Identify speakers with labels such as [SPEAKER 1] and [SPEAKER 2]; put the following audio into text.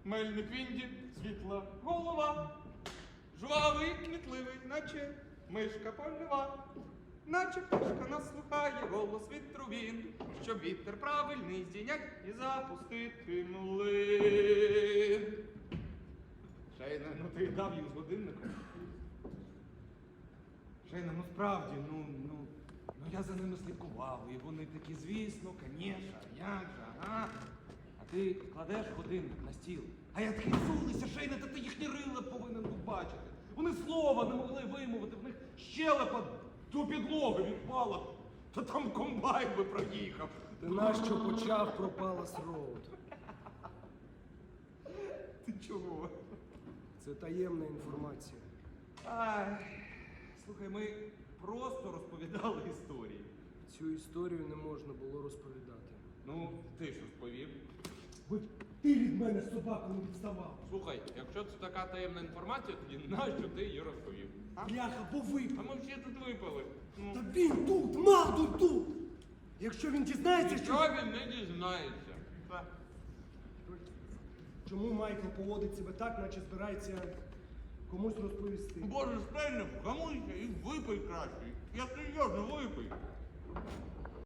[SPEAKER 1] Мельник Вінді, світла голова. Жвавий, кмітливий, наче мишка польова. Наче пташка нас слухає голос вітру він, щоб вітер правильний здійнять і запустити млин. Шейна, ну ти дав їм з годинником. Шейна, ну справді, ну я за ними слідкував, і вони такі, звісно, конечно, як же, ага. А ти кладеш годинник на стіл. А я такий зулися, Шейна, та ти їхні рила повинен був бачити. Вони слова не могли вимовити, в них щелепа до підлоги відпала. Та там комбайн би проїхав.
[SPEAKER 2] Ти нащо почав про Palace Road?
[SPEAKER 1] Ти чого?
[SPEAKER 2] Це таємна інформація.
[SPEAKER 1] Ай, слухай, ми просто розповідали історії.
[SPEAKER 2] Цю історію не можна було розповідати.
[SPEAKER 1] Ну, ти ж розповів.
[SPEAKER 2] Ти від мене собаку не відставав.
[SPEAKER 1] Слухай, якщо це така таємна інформація, тоді нащо ти її розповів?
[SPEAKER 2] Бляха, бо
[SPEAKER 1] А
[SPEAKER 2] випав.
[SPEAKER 1] ми всі тут випали. Ну,
[SPEAKER 2] Та він тут, Мавду тут! Якщо він дізнається,
[SPEAKER 1] нічого
[SPEAKER 2] що...
[SPEAKER 1] він не дізнається.
[SPEAKER 2] Чому Майкл поводить себе так, наче збирається комусь розповісти?
[SPEAKER 1] Боже, Стельне, вгамуйся і випий краще. Я серйозно випий.